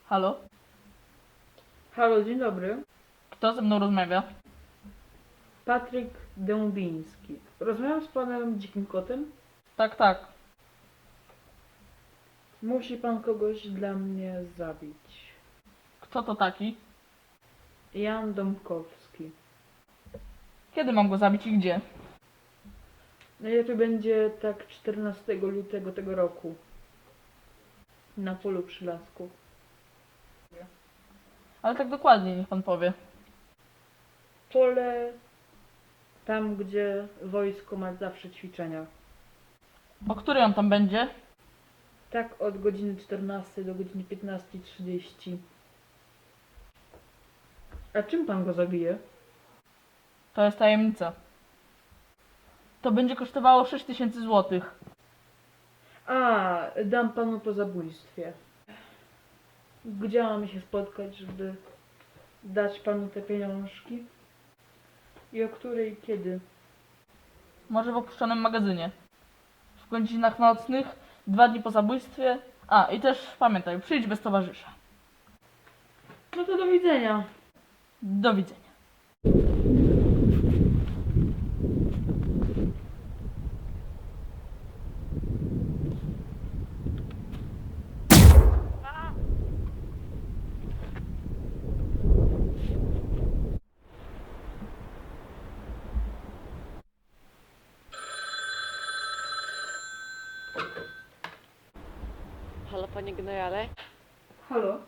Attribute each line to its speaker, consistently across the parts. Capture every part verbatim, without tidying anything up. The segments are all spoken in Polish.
Speaker 1: Halo?
Speaker 2: Halo, dzień dobry.
Speaker 1: Kto ze mną rozmawia?
Speaker 2: Patryk Dębiński. Rozmawiam z panem Dzikim Kotem.
Speaker 1: Tak, tak.
Speaker 2: Musi pan kogoś dla mnie zabić.
Speaker 1: Kto to taki?
Speaker 2: Jan Dąbkowski.
Speaker 1: Kiedy mam go zabić i gdzie?
Speaker 2: Najlepiej będzie tak czternastego lutego tego roku. Na polu przy lasku.
Speaker 1: Ale tak dokładnie niech pan powie.
Speaker 2: Pole tam, gdzie wojsko ma zawsze ćwiczenia.
Speaker 1: O której on tam będzie?
Speaker 2: Tak od godziny czternastej do godziny piętnastej trzydzieści. A czym pan go zabije?
Speaker 1: To jest tajemnica. To będzie kosztowało sześć tysięcy złotych.
Speaker 2: A, dam panu po zabójstwie. Gdzie mamy się spotkać, żeby dać panu te pieniążki? I o której i kiedy?
Speaker 1: Może w opuszczonym magazynie. W godzinach nocnych, dwa dni po zabójstwie. A, i też pamiętaj, przyjdź bez towarzysza.
Speaker 2: No to do widzenia.
Speaker 1: Do widzenia.
Speaker 3: Halo panie generale,
Speaker 2: Halo?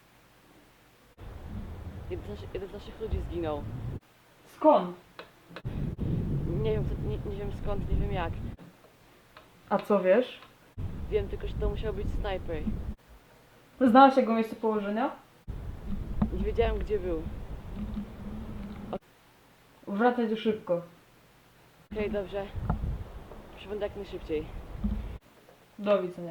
Speaker 3: jeden z, naszych, jeden z naszych ludzi zginął.
Speaker 2: Skąd?
Speaker 3: Nie wiem, co- nie, nie wiem skąd, nie wiem jak.
Speaker 2: A co wiesz?
Speaker 3: Wiem tylko, że to musiał być snajper.
Speaker 2: Znałeś jego miejsce położenia?
Speaker 3: Nie wiedziałem gdzie był.
Speaker 2: Wracaj tu szybko.
Speaker 3: Okej, dobrze. Przybędę jak najszybciej.
Speaker 2: Do widzenia.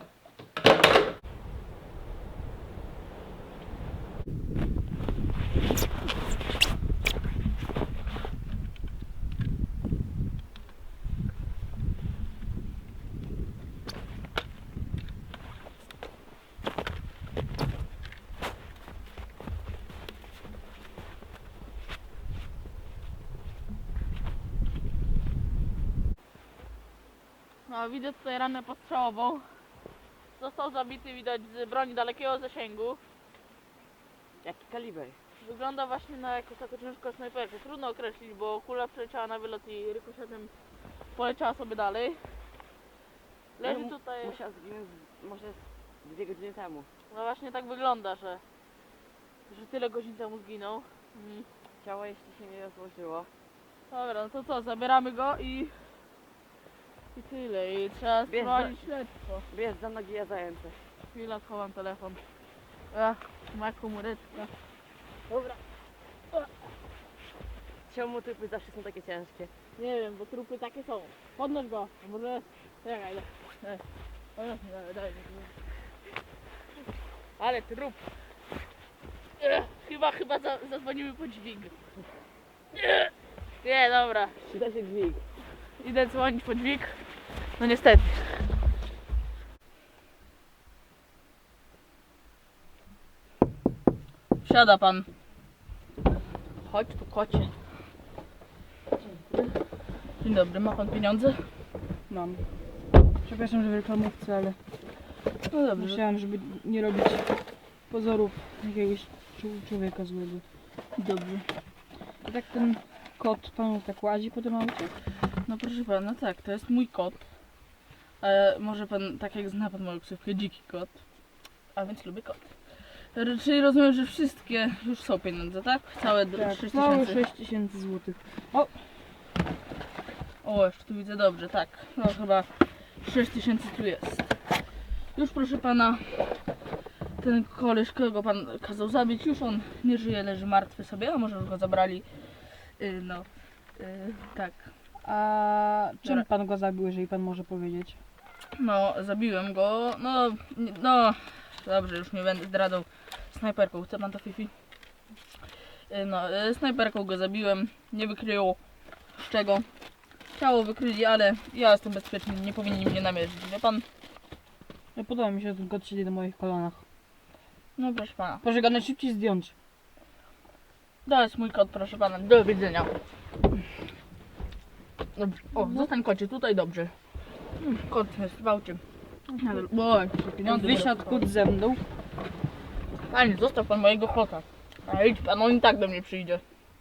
Speaker 1: No, widzę tutaj ranę postrzałową. Został zabity, widać, z broni dalekiego zasięgu.
Speaker 3: Jaki kaliber?
Speaker 1: Wygląda właśnie na jakąś taką ciężką snajperkę. Trudno określić, bo kula przeleciała na wylot i rykoszetem poleciała sobie dalej. Leży
Speaker 3: No,
Speaker 1: tutaj...
Speaker 3: Musiał zginąć z- może z dwie godziny temu.
Speaker 1: No właśnie tak wygląda, że, że tyle godzin temu zginął. Mm.
Speaker 3: Ciało jeśli się nie rozłożyło.
Speaker 1: Dobra, no to co, zabieramy go i... I tyle, i trzeba
Speaker 3: Bierz
Speaker 1: sprowadzić śledztwo.
Speaker 3: Bierz za nogi, ja za ręce.
Speaker 1: Chwila, schowam telefon. Ach, ma komóreczka. Dobra,
Speaker 3: Czemu typy zawsze są takie ciężkie?
Speaker 1: nie wiem, bo trupy takie są. Podnoś go, a może... Czekaj, daj. Daj. Podnoś mi, daj, daj. Ale trup. Ech, chyba, chyba za, zadzwonimy po dźwig. Nie, nie, dobra.
Speaker 3: Przyda się dźwig.
Speaker 1: Idę dzwonić po dźwig. No niestety. Wsiada pan. Chodź tu, kocie. Dzień dobry, ma pan pieniądze?
Speaker 4: Mam. Przepraszam, że w reklamówce, ale
Speaker 1: No dobrze.
Speaker 4: musiałam, żeby nie robić pozorów jakiegoś czu- człowieka złego.
Speaker 1: Dobrze.
Speaker 4: A tak ten kot panu tak łazi po tym aucie?
Speaker 1: No proszę pana, tak, to jest mój kot. E, może pan, tak jak zna pan moją ksywkę, dziki kot. A więc lubię kot. R- Czyli rozumiem, że wszystkie już są pieniądze, tak? Całe d-
Speaker 4: Tak,
Speaker 1: sześć
Speaker 4: całe
Speaker 1: tysięcy.
Speaker 4: sześć tysięcy złotych.
Speaker 1: O, jeszcze tu widzę dobrze, tak. No chyba sześć tysięcy tu jest. Już proszę pana, ten koleś, którego pan kazał zabić, już on nie żyje, leży martwy sobie, a może już go zabrali. Yy, no, yy, tak.
Speaker 4: A czym
Speaker 1: Dobra.
Speaker 4: pan go zabił, jeżeli pan może powiedzieć?
Speaker 1: No, zabiłem go, no, nie- no, dobrze, już nie będę zdradzał. Snajperką, chce pan to, Fifi? Yy, No, yy, snajperką go zabiłem, nie wykryło z czego. Ciało wykryli, ale ja jestem bezpieczny, nie powinni mnie namierzyć, wie pan?
Speaker 4: No, podoba mi się, że ten kot siedzi na moich kolanach.
Speaker 1: No proszę pana.
Speaker 4: Proszę go najszybciej zdjąć.
Speaker 1: To jest mój kot, proszę pana. Do widzenia. Dobrze. O, zostań kocie, tutaj dobrze. Mm, Kot jest w aucie. Oj, pieniądze
Speaker 4: Wysiadł
Speaker 1: biorę.
Speaker 4: kot ze mną.
Speaker 1: Panie, zostaw pan mojego kota. A idź pan, on i tak do mnie przyjdzie.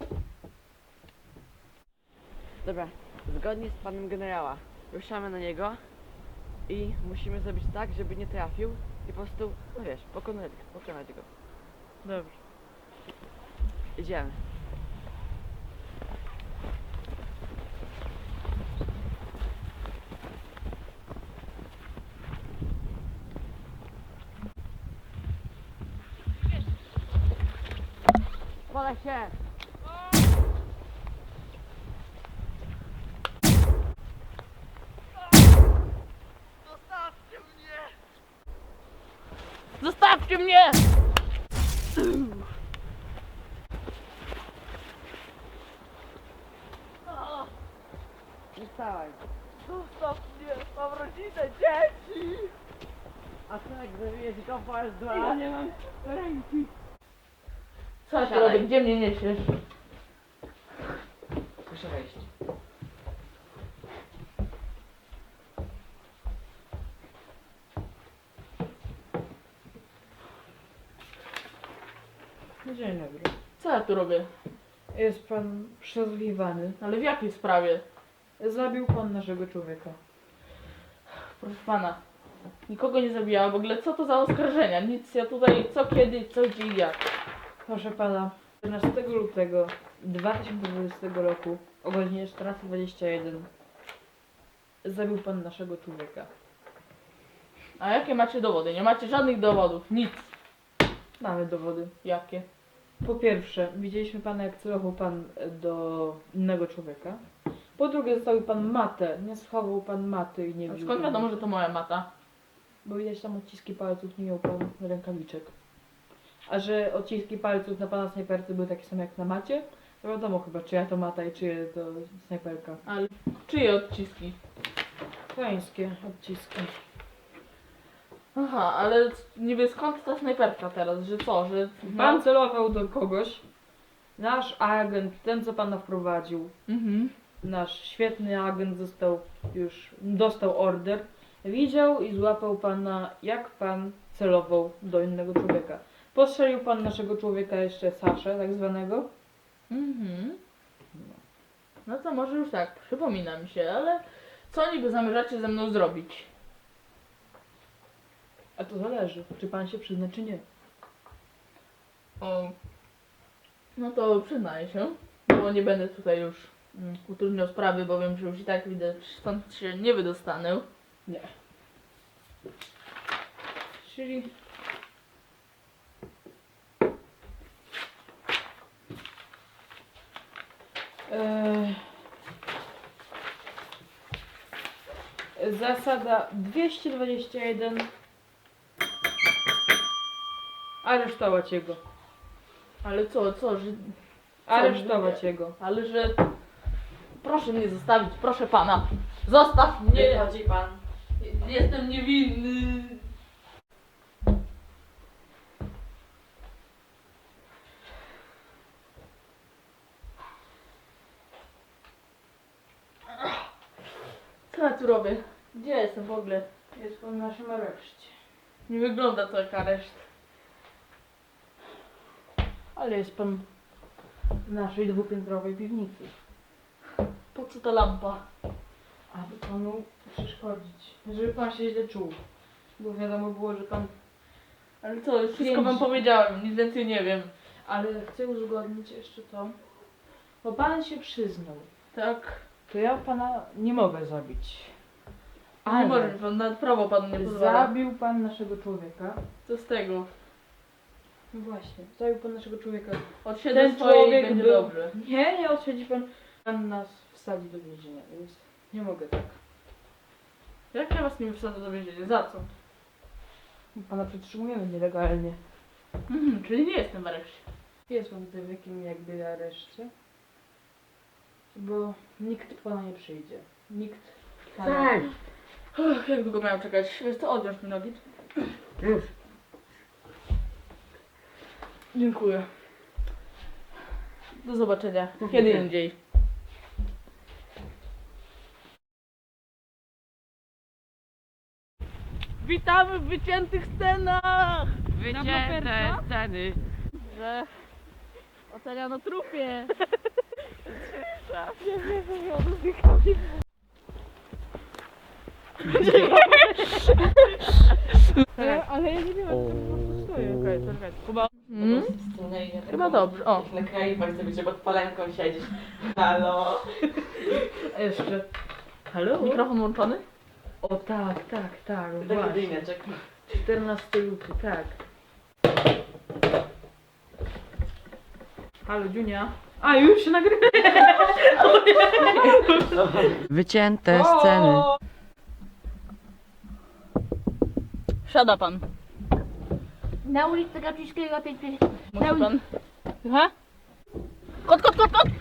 Speaker 3: Dobra, zgodnie z planem generała ruszamy na niego i musimy zrobić tak, żeby nie trafił i po prostu, no wiesz, pokonać, pokonać go.
Speaker 1: Dobrze.
Speaker 3: Idziemy. Podaj się!
Speaker 1: Zostawcie mnie!
Speaker 3: Nie stałaj.
Speaker 1: Zostaw mnie, mam rodzinę, dzieci!
Speaker 3: A co jak zawijesz go po dwa?
Speaker 4: nie mam ręki.
Speaker 1: Co ty
Speaker 3: Siadaj.
Speaker 1: robisz? Gdzie mnie niesiesz?
Speaker 3: Proszę wejść.
Speaker 2: Dzień dobry.
Speaker 1: Co ja tu robię?
Speaker 2: Jest pan przesłuchiwany.
Speaker 1: Ale w jakiej sprawie?
Speaker 2: Zabił pan naszego człowieka.
Speaker 1: Proszę pana, nikogo nie zabijałam. W ogóle co to za oskarżenia? Nic, ja tutaj co, kiedy, co, gdzie i jak.
Speaker 2: Proszę pana, czternastego lutego dwa tysiące dwudziestego roku o godzinie czternasta dwadzieścia jeden zabił pan naszego człowieka.
Speaker 1: A jakie macie dowody? Nie macie żadnych dowodów, nic.
Speaker 2: Mamy dowody.
Speaker 1: Jakie?
Speaker 2: Po pierwsze, widzieliśmy pana, jak celował pan do innego człowieka. Po drugie, zostawił pan matę. Nie schował pan maty i nie
Speaker 1: A
Speaker 2: wziął.
Speaker 1: skąd wiadomo, że to moja mata?
Speaker 2: Bo widać tam odciski palców, nie miał pan rękawiczek. A że odciski palców na pana snajperce były takie same jak na macie, to wiadomo chyba, czyja to mata i czyje to snajperka.
Speaker 1: Ale czyje odciski?
Speaker 2: Pańskie odciski.
Speaker 1: Aha, ale niby skąd ta snajperka teraz? Że co, że...
Speaker 2: Pan celował do kogoś. Nasz agent, ten co pana wprowadził,
Speaker 1: Mhm.
Speaker 2: nasz świetny agent został już, dostał order. Widział i złapał pana, jak pan celował do innego człowieka. Postrzelił pan naszego człowieka jeszcze Saszę, tak zwanego.
Speaker 1: Mhm. No to może już tak, przypomina mi się, ale co niby zamierzacie ze mną zrobić?
Speaker 2: A to zależy, czy pan się przyzna, czy nie.
Speaker 1: O, no to przyznaję się, bo nie będę tutaj już mm, utrudniał sprawy, bo wiem, że już i tak widać, stąd się nie wydostanę.
Speaker 2: Nie. Czyli... Eee... Zasada dwieście dwadzieścia jeden. Aresztować jego.
Speaker 1: Ale co, co, że...
Speaker 2: Aresztować
Speaker 1: nie?
Speaker 2: jego.
Speaker 1: Ale że... Proszę mnie zostawić, proszę pana. Zostaw mnie!
Speaker 3: Wychodzi pan.
Speaker 1: Jestem niewinny. Co ja tu robię? Gdzie jestem w ogóle?
Speaker 2: Jest pan w naszym areszcie.
Speaker 1: Nie wygląda to jak areszt.
Speaker 2: Ale jest pan w naszej dwupiętrowej piwnicy.
Speaker 1: Po co ta lampa?
Speaker 2: Aby panu przeszkodzić. Żeby pan się źle czuł. Bo wiadomo było, że pan...
Speaker 1: Ale co, już wszystko
Speaker 2: Pięć.
Speaker 1: wam powiedziałem, nic więcej nie wiem.
Speaker 2: Ale chcę uzgodnić jeszcze to. Bo pan się przyznał.
Speaker 1: Tak?
Speaker 2: To ja pana nie mogę zabić.
Speaker 1: Nie może pan, nawet prawo panu nie pozwala.
Speaker 2: Zabił pan naszego człowieka.
Speaker 1: Co z tego?
Speaker 2: No właśnie, zabił pan naszego człowieka.
Speaker 1: Odsiedzę
Speaker 2: Ten
Speaker 1: swoje i
Speaker 2: człowiek
Speaker 1: będzie
Speaker 2: był...
Speaker 1: dobrze.
Speaker 2: Nie, nie odsiedzi pan. Pan nas wsadzi do więzienia, więc nie mogę tak.
Speaker 1: Jak ja was nie wsadzę do więzienia? Za co?
Speaker 2: Pana przetrzymujemy nielegalnie.
Speaker 1: Mhm, czyli nie jestem w areszcie.
Speaker 2: Jest pan tutaj w jakim jakby areszcie. Bo nikt pana nie przyjdzie. Nikt pana...
Speaker 3: Tak.
Speaker 1: Uff, jak długo miałem czekać? Wiesz co, odwiąż mi nogi.
Speaker 3: Już.
Speaker 1: Dziękuję. Do zobaczenia. Kiedy indziej. Witamy w wyciętych scenach!
Speaker 3: Wycięte sceny.
Speaker 1: Że ocenia na trupie.
Speaker 4: Ale ja nie wiem, jak to po prostu stoję.
Speaker 1: Okej, czekaj. Kuba. Hmm? Chyba dobrze. O.
Speaker 3: Na kraju bardzo być, że pod palenką siedzisz. Halo.
Speaker 2: A jeszcze. Halo?
Speaker 1: Mikrofon włączony?
Speaker 2: O tak, tak, tak,
Speaker 3: Taki
Speaker 2: właśnie.
Speaker 3: dymeczek.
Speaker 2: czternastego lutego, tak. Halo, Dziunia. A, już się nagrywa.
Speaker 3: Wycięte sceny.
Speaker 1: Siada pan.
Speaker 5: Na ulicy Gapińskiego pięć pięć.
Speaker 1: Musi pan. Aha? Kot, kot, kot, kot!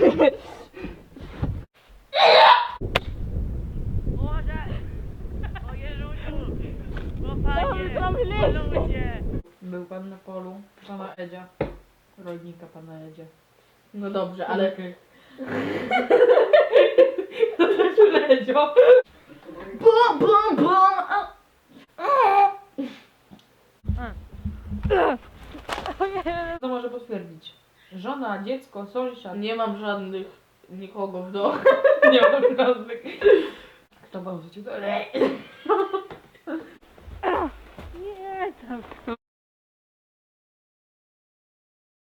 Speaker 2: Był pan na polu pana Edzia. Rodnika pana Edzia.
Speaker 1: No dobrze, ale...
Speaker 2: Edzio.
Speaker 1: Bum, bum, bum! a-
Speaker 2: To może potwierdzić. Żona, dziecko, sąsiad.
Speaker 1: Nie mam żadnych... nikogo w domu.
Speaker 2: Nie mam żadnych. Kto wam rzucił do
Speaker 1: Nie, tam...